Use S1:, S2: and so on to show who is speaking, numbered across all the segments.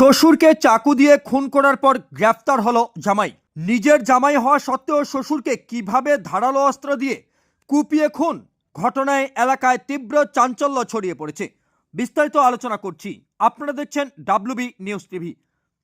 S1: শ্বশুরকে চাকু দিয়ে খুন করার পর গ্রেফতার হলো জামাই। নিজের জামাই হওয়া সত্ত্বেও শ্বশুরকে কিভাবে ধারালো অস্ত্র দিয়ে কুপিয়ে খুন, ঘটনায় এলাকায় তীব্র চাঞ্চল্য ছড়িয়ে পড়েছে। বিস্তারিত আলোচনা করছি, আপনারা দেখছেন WB নিউজ টিভি।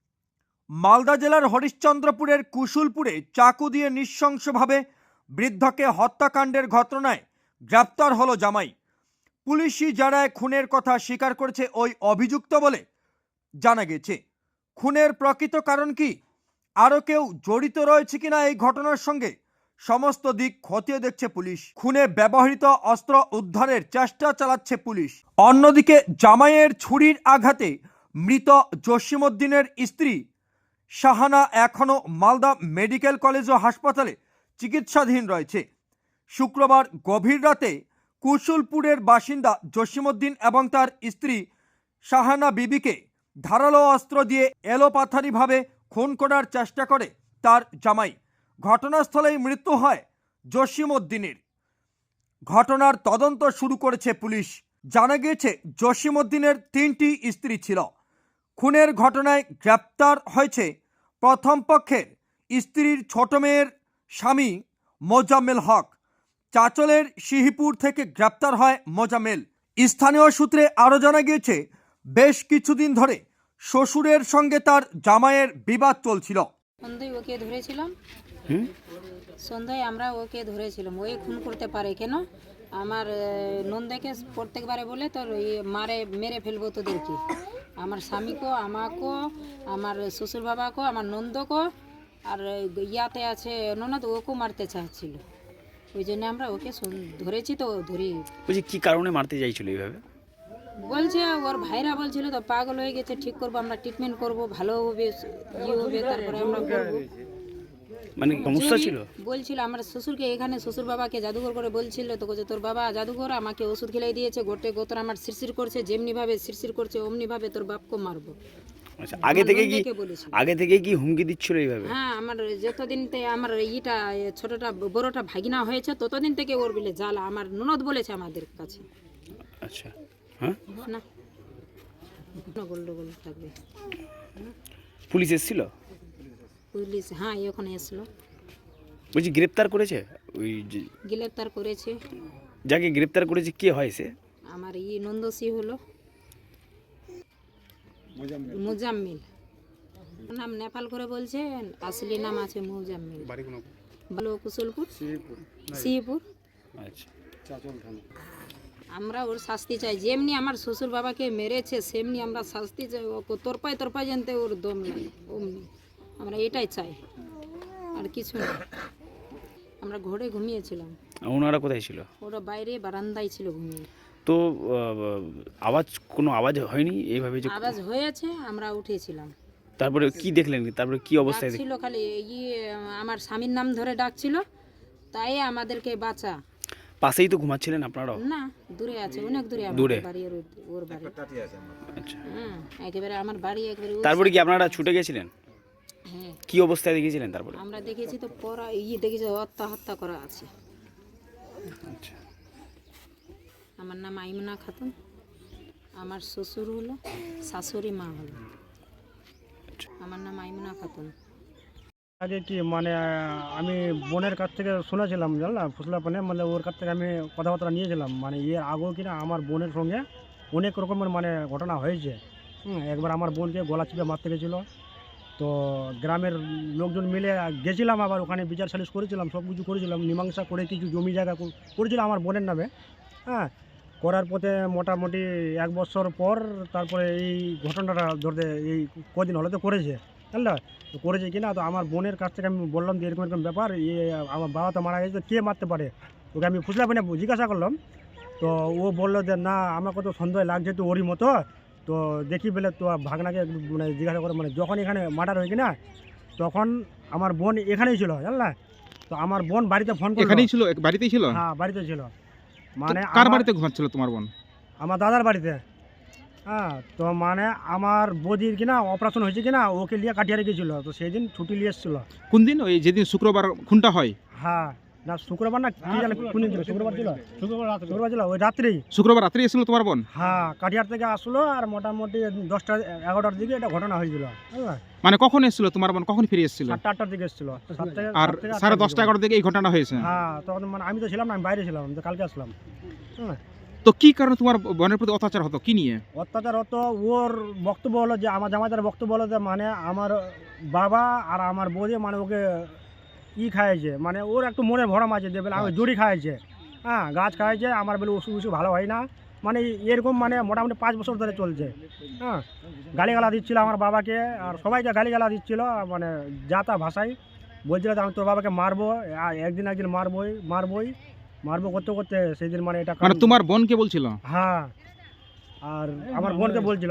S1: মালদা জেলার হরিশ্চন্দ্রপুরের কুশুলপুরে চাকু দিয়ে নৃশংসভাবে বৃদ্ধকে হত্যাকাণ্ডের ঘটনায় গ্রেফতার হলো জামাই। পুলিশি জারায় খুনের কথা স্বীকার করেছে ওই অভিযুক্ত বলে জানা গেছে। খুনের প্রকৃত কারণ কি, আরও কেউ জড়িত রয়েছে কিনা এই ঘটনার সঙ্গে, সমস্ত দিক খতিয়ে দেখছে পুলিশ। খুনে ব্যবহৃত অস্ত্র উদ্ধারের চেষ্টা চালাচ্ছে পুলিশ। অন্যদিকে জামাইয়ের ছুরির আঘাতে মৃত জসিমউদ্দিনের স্ত্রী শাহানা এখনও মালদা মেডিকেল কলেজ ও হাসপাতালে চিকিৎসাধীন রয়েছে। শুক্রবার গভীর রাতে কুশুলপুরের বাসিন্দা জসিমউদ্দিন এবং তার স্ত্রী শাহানা বিবিকে ধারালো অস্ত্র দিয়ে এলোপাথারিভাবে খুন করার চেষ্টা করে তার জামাই। ঘটনাস্থলেই মৃত্যু হয় জসিমউদ্দিনের। ঘটনার তদন্ত শুরু করেছে পুলিশ। জানা গিয়েছে জসিমউদ্দিনের 3টি স্ত্রী ছিল। খুনের ঘটনায় গ্রেপ্তার হয়েছে প্রথম পক্ষের স্ত্রীর ছোট মেয়ের স্বামী মোজাম্মেল হক। চাচলের সিহিপুর থেকে গ্রেপ্তার হয় মোজাম্মেল। স্থানীয় সূত্রে আরও জানা গিয়েছে বেশ কিছুদিন ধরে শ্বশুরের সঙ্গে তার জামাইয়ের বিবাদ চলছিল।
S2: সন্ধ্যায় ওকে ধরেছিলাম, সন্ধ্যায় আমরা ওকে ধরেছিলাম। ওই খুন করতে পারে কেন? আমার নন্দাকে প্রত্যেকবারে বলে তোর মেরে ফেলবো তোদেরকে, আমার স্বামীকেও, আমাকেও, আমার শ্বশুর বাবাকেও, আমার নন্দকেও, আর ইয়াতে আছে ননদ, ওকেও মারতে চাচ্ছিল। ওই জন্য আমরা ওকে ধরেছি। তো ধরি
S3: বলছি কি কারণে মারতে চাইছিল এইভাবে?
S2: বলছে ওর ভাইরা বলছিল তো পাগল হয়ে গেছে, ঠিক করবো, আমরা ট্রিটমেন্ট করবো, ভালো হবে, ইয়ে হবে, তারপরে আমরা করবো।
S3: মানে সমস্যা ছিল
S2: বলছিল আমার শ্বশুরকে, এখানে শ্বশুর বাবাকে জাদুঘর করে বলছিল, তো বলছে তোর বাবা জাদুঘর, আমাকে ওষুধ খেলাই দিয়েছে, গোটে গোতর আমার শিরশির করছে, যেমনি ভাবে শিরশির করছে অমনি ভাবে তোর বাপকে মারবো।
S3: আচ্ছা, আগে থেকে কি হুমকি দিচ্ছিল এইভাবে?
S2: হ্যাঁ, আমার যতদিন থেকে আমার ছোটটা বড়টা ভাগিনা হয়েছে ততদিন থেকে ওর বলে জ্বালা, আমার ননদ বলেছে আমাদের কাছে।
S3: আচ্ছা, হ্যাঁ,
S2: না গোল্ডগোল থাকবে।
S3: পুলিশ এসেছিল?
S2: পুলিশ হ্যাঁ ওখানে এসলো।
S3: বলছি গ্রেপ্তার করেছে? ওই
S2: গ্রেপ্তার করেছে।
S3: যাকে গ্রেপ্তার করেছে কে হয় সে?
S2: আমার নন্দসি হলো মুজাম্মিল, নাম নেপাল করে বলছে, আসলি নাম আছে মুজাম্মিল। ভালো কুশলপুর, সিহিপুর।
S3: আচ্ছা,
S2: আমরা ওর শাস্তি চাই, যেমনি আমার শ্বশুর বাবাকে মেরেছে সেমনি আমরা শাস্তি চাই। ও তোরপায় জানতে ওর দম নাই, অমনি আমরা এটাই চাই, আর কিছু না। আমরা ঘরে ঘুমিয়েছিলাম।
S3: ওনারা কোথায় ছিল?
S2: ওরা বাইরে বারান্দায় ছিল ঘুমিয়ে।
S3: তো কোনো আওয়াজ হয়নি এইভাবে যে?
S2: আওয়াজ হয়েছে, আমরা উঠেছিলাম।
S3: তারপরে কি দেখলেন? তারপরে কি অবস্থায়
S2: ছিল খালি আমার স্বামীর নাম ধরে ডাকছিল, তাই আমাদেরকে বাঁচা।
S3: পাশেই তো ঘুমাচ্ছিলেন আপনারাও?
S2: না, দূরে আছে, অনেক দূরে।
S3: দূরে?
S2: বাড়ি ওর বাড়ি।
S3: আচ্ছা,
S2: হ্যাঁ, একেবারে আমার বাড়ি একেবারে।
S3: তারপরে কি আপনারা ছুটে গেছিলেন?
S2: হ্যাঁ,
S3: কি অবস্থায় দেখেছিলেন তারপরে?
S2: আমরা দেখেছি তো পড়া দেখেছি হত্যা করা আছে।
S3: আচ্ছা,
S2: আমার নাম আইমনা খাতুন, আমার শ্বশুর হলো, শাশুড়ি মা হলো। আমার নাম আইমনা খাতুন।
S4: আগে কি মানে আমি বোনের কাছ থেকে শুনেছিলাম, জানলাম ফুসলাপানে, মানে ওর কাছ থেকে আমি কথাবার্তা নিয়েছিলাম। মানে এর আগেও কিনা আমার বোনের সঙ্গে অনেক রকমের মানে ঘটনা হয়েছে। একবার আমার বোনকে গলা চিপে মারতে গেছিলো, তো গ্রামের লোকজন মিলে গেছিলাম, আবার ওখানে বিচার সালিশ করেছিলাম, সব কিছু করেছিলাম, মীমাংসা করে কিছু জমি জায়গা করেছিলাম আমার বোনের নামে। হ্যাঁ, করার পথে মোটামুটি 1 বছর পর তারপরে এই ঘটনাটা ধরতে এই কদিন হলে তো করেছে, জানলা তো করেছে কিনা। তো আমার বোনের কাছ থেকে আমি বললাম যে এরকম এরকম ব্যাপার, আমার বাবা তো মারা গেছে, তো কে মারতে পারে? ওকে আমি ফুসলাপানে জিজ্ঞাসা করলাম, তো ও বললো যে না, আমাকে তো সন্দেহ লাগছে তো ওরই মতো, তো দেখি বলে তো ভাগনাকে মানে জিজ্ঞাসা করে, মানে যখন এখানে মার্ডার হয়েছে না তখন আমার বোন এখানেই ছিল, জানলা। তো আমার বোন বাড়িতে ফোন করে,
S5: এখানেই ছিল, বাড়িতেই ছিল?
S4: হ্যাঁ, বাড়িতে ছিল। মানে
S5: কার বাড়িতে ঘুমাচ্ছিল তোমার বোন?
S4: আমার দাদার বাড়িতে। হ্যাঁ, তো মানে আমার বৌদির কিনা অপারেশন হয়েছে কিনা, ওকে নিয়ে কাটিয়ে রেখেছিল, তো সেই দিন ছুটি নিয়ে এসেছিলো।
S5: কোন দিন? ওই যেদিন শুক্রবার খুনটা হয়?
S4: হ্যাঁ, না শুক্রবার না কি জানে কোন দিন ছিল, শুক্রবার ছিল, শুক্রবার ছিল ওই রাত্রি।
S5: শুক্রবার রাত্রে এসেছিল তোমার বোন?
S4: হ্যাঁ, কাটিহার থেকে আসলো আর মোটামুটি 10টা 11টার দিকে এটা ঘটনা হয়েছিল। বুঝলেন?
S5: মানে কখন এসেছিল তোমার বোন, কখন ফিরে এসেছিল?
S4: 7টা 8টার দিকে এসেছিল।
S5: আর 10:30 11 দিকে এই ঘটনা হয়েছে।
S4: হ্যাঁ, তখন মানে আমি তো ছিলাম না, আমি বাইরে ছিলাম, আমি তো কালকে আসলাম। হ্যাঁ,
S5: তো কি কারণে তোমার বোনের প্রতি অত্যাচার হতো, কি নিয়ে?
S4: অত্যাচার হতো, ওর বক্তব্য হলো যে আমার জামাইদার বক্তব্য হলো যে মানে আমার বাবা আর আমার বৌদি মানে ওকে খাইয়েছে, মানে ওর একটু মনে ভরম আছে যে বলে আমি জড়ি খাইয়েছে, হ্যাঁ গাছ খাইয়েছে, আমার বলে ওষুধ ওষুধ ভালো হয় না, মানে এরকম মানে মোটামুটি 5 বছর ধরে চলছে। হ্যাঁ, গালিগালা দিচ্ছিল আমার বাবাকে আর সবাইকে গালিগালা দিচ্ছিল, মানে যা তা ভাষায় বলছিল যে আমি তোর বাবাকে মারবো, একদিন মারবো করতে করতে সেই দিন মানে এটা
S5: মানে তোমার বোনকে বলছিল?
S4: হ্যাঁ, আর আমার বোনকে বলছিল।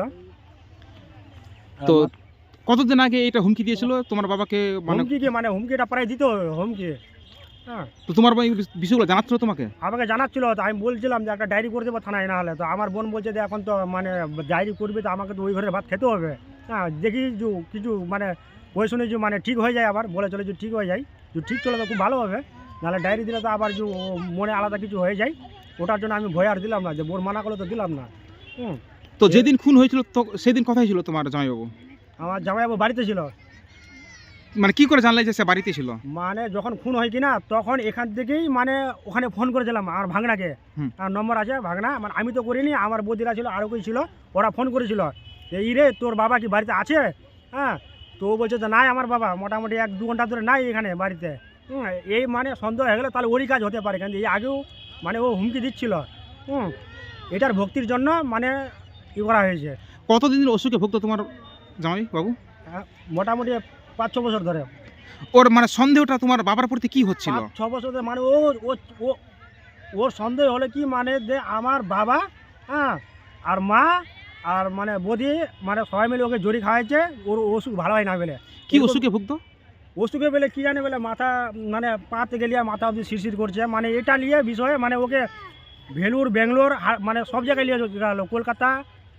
S5: তো কতদিন আগে এটা হুমকি দিয়েছিল তোমার বাবাকে? মানে
S4: মানে হুমকিটা প্রায় দিত হুমকি। হ্যাঁ,
S5: তো তোমার বোন এই বিষয়গুলো জানাচ্ছিল তোমাকে?
S4: আমাকে জানাচ্ছিল, তো আমি বলছিলাম যে একটা ডায়েরি করে দেবো থানায়, না হলে তো আমার বোন বলছে যে এখন তো মানে ডায়েরি করবে তো আমাকে তো ওই ঘরের ভাত খেতে হবে। হ্যাঁ, দেখি যে কিছু মানে ওই শুনে যে মানে ঠিক হয়ে যায়, আবার বলে চলে যে ঠিক হয়ে যায়, যে ঠিক চলে তো খুব ভালো হবে, নাহলে ডায়েরি দিলে তো আবার যে মনে আলাদা কিছু হয়ে যায়, ওটার জন্য আমি ভয় আর দিলাম না, যে বোন মানা করলে তো দিলাম না।
S5: তো যেদিন খুন হয়েছিল তো সেদিন কোথায় ছিল তোমার জামাইবাবু?
S4: আমার জামাইবাবু বাড়িতে ছিল।
S5: মানে কি করে জানলে যে সে বাড়িতে ছিল?
S4: মানে যখন খুন হয় কিনা তখন এখান থেকেই মানে ওখানে ফোন করেছিলাম আমার ভাগনাকে, আর নম্বর আছে ভাগনা, মানে আমি তো করিনি, আমার বৌদিরা ছিল আরও কেউ ছিল, ওরা ফোন করেছিল যে ই রে তোর বাবা কি বাড়িতে আছে? হ্যাঁ, তো ও বলছে যে নাই আমার বাবা মোটামুটি 1-2 ঘন্টা ধরে নাই এখানে বাড়িতে। এই মানে সন্দেহ হয়ে গেলো তাহলে ওরই কাজ হতে পারে, কিন্তু এই আগেও মানে ও হুমকি দিচ্ছিল। এটার ভক্তির জন্য মানে করা হয়েছে।
S5: কতদিন অসুখে ভুগতো তোমার জামাই বাবু?
S4: মোটামুটি 5-6 বছর ধরে।
S5: ওর মানে সন্দেহটা তোমার বাবার প্রতি কি হচ্ছিল?
S4: 5-6 বছর ধরে মানে ওর সন্দেহ হলে কি মানে যে আমার বাবা, হ্যাঁ, আর মা আর মানে বৌদি মানে সবাই মিলে ওকে জড়ি খাওয়াইছে, ওর অসুখ ভালো হয় না বলে।
S5: কি অসুখে ভুগতো?
S4: অসুখে বলে কি জানে বলে মাথা মানে পাতে গেলিয়ে মাথা অবধি শিরশির করছে, মানে এটা নিয়ে বিষয়ে মানে ওকে ভেলুর ব্যাঙ্গালোর মানে সব জায়গায় নিয়ে গেল, কলকাতা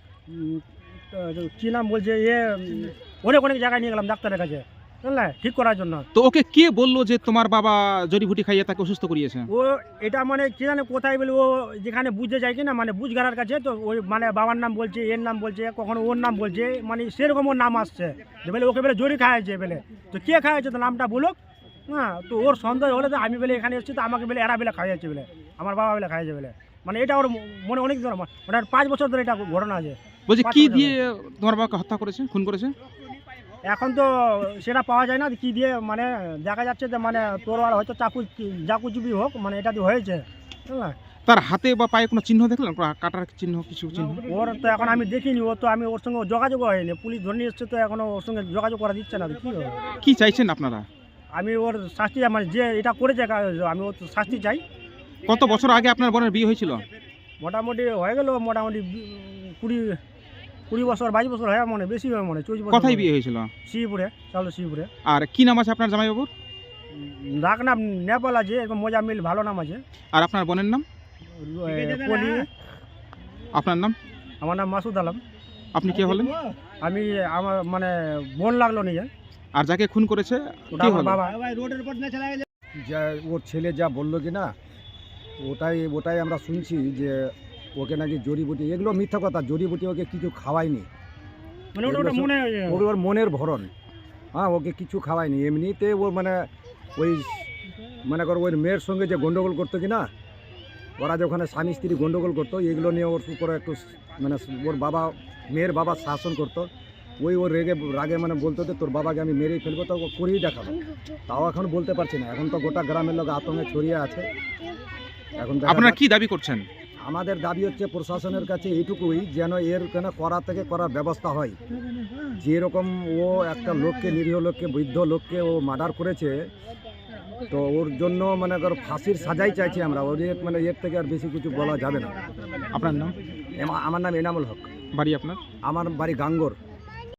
S4: কী নাম বলছে অনেক অনেক জায়গায় নিয়ে গেলাম ডাক্তারের কাছে, বুঝলে, ঠিক করার জন্য।
S5: তো ওকে কে বললো যে তোমার বাবা জড়িবুটি খাইয়ে তাকে অসুস্থ করিয়েছে?
S4: ও এটা মানে কি জানে কোথায় বলে, ও যেখানে বুঝতে যায় কিনা মানে বুঝগারার কাছে, তো ওই মানে বাবার নাম বলছে, এর নাম বলছে, কখনো ওর নাম বলছে, মানে সেরকম ওর নাম আসছে যে বলে ওকে বলে জড়ি খাওয়াইছে বলে। তো কে খাওয়াইছে তো নামটা বলুক। হ্যাঁ, তো ওর সন্দেহ হলে তো আমি বলে এখানে এসেছি, তো আমাকে বলে এরা বেলে খাওয়াইছে বলে, আমার বাবা বেলে খাওয়াইছে বলে, মানে এটা ওর মনে অনেক ধরে মানে 5 বছর ধরে এটা ঘটনা আছে।
S5: বলছে কি দিয়ে তোমার বাবাকে হত্যা করেছে, খুন করেছে?
S4: এখন তো সেটা পাওয়া যায় না কি দিয়ে, মানে দেখা যাচ্ছে যে মানে তোর আর হয়তো চাকুচুপি হোক, মানে এটা দিয়ে হয়েছে, বুঝলেন।
S5: তার হাতে বা পায়ে কোনো চিহ্ন দেখলেন, কাটার চিহ্ন, কিছু চিহ্ন?
S4: ওর তো এখন আমি দেখিনি, ও তো আমি ওর সঙ্গে যোগাযোগ হয়নি, পুলিশ ধরে নিয়ে এসছে, তো এখনো ওর সঙ্গে যোগাযোগ করা দিচ্ছে না, তো কী হবে?
S5: কি চাইছেন আপনারা?
S4: আমি ওর শাস্তি, মানে যে এটা করেছে আমি ওর শাস্তি চাই।
S5: কত বছর আগে আপনার বোনের বিয়ে হয়েছিল?
S4: মোটামুটি হয়ে গেল মোটামুটি 20 বছর 22 বছর হয়, মনে বেশি হয়, মনে 24 বছর।
S5: কোথায় বিয়ে হয়েছিল?
S4: শিবপুরে, চালু শিবপুরে।
S5: আর কি নাম আছে আপনার জামাইবাবুর?
S4: ডাক নাম নেপাল আছে, এরকম মোজামিল ভালো নাম আছে।
S5: আর আপনার বোনের নাম?
S4: পলি।
S5: আপনার নাম?
S4: আমার নাম মাসুদ আলম।
S5: আপনি কে হলেন?
S4: আমি আমার মানে বোন লাগলো নিজে।
S5: আর যাকে খুন করেছে
S4: ওটা
S5: কি
S4: আমার
S5: হলো?
S4: বাবা।
S6: যা ওর ছেলে যা বললো কি না, ওটাই আমরা শুনছি যে ওকে নাকি জড়িবুটি, এগুলো মিথ্যা কথা, জড়িবুটি ওকে কিছু খাওয়ায়নি,
S4: মানে ওটা মনে
S6: ওর মনের ভরণ। হ্যাঁ, ওকে কিছু খাওয়ায়নি, এমনিতে ও মানে ওই মনে করো ওই মেয়ের সঙ্গে যে গন্ডগোল করতো কি না, ওরা যে ওখানে স্বামী স্ত্রী গন্ডগোল করতো, এগুলো নিয়ে ওর উপরে একটু মানে ওর বাবা, মেয়ের বাবা শাসন করতো, ওর রাগে মানে বলতো যে তোর বাবাকে আমি মেরেই ফেলবো, তো করেই দেখাবো। তাও এখন বলতে পারছি না, এখন তো গোটা গ্রামের লোক আতঙ্কে ছড়িয়ে আছে। এখন
S5: আপনারা কি দাবি করছেন?
S6: আমাদের দাবি হচ্ছে প্রশাসনের কাছে এইটুকুই, যেন এর কেন করার ব্যবস্থা হয়। যেরকম ও একটা লোককে, নিরীহ লোককে, বৃদ্ধ লোককে ও মার্ডার করেছে, তো ওর জন্য মানে ফাঁসির সাজাই চাইছি আমরা, ওর মানে এর থেকে আর বেশি কিছু বলা যাবে না।
S5: আপনার নাম?
S6: আমার নাম এনামুল হক।
S5: বাড়ি আপনার?
S6: আমার বাড়ি গাঙ্গর।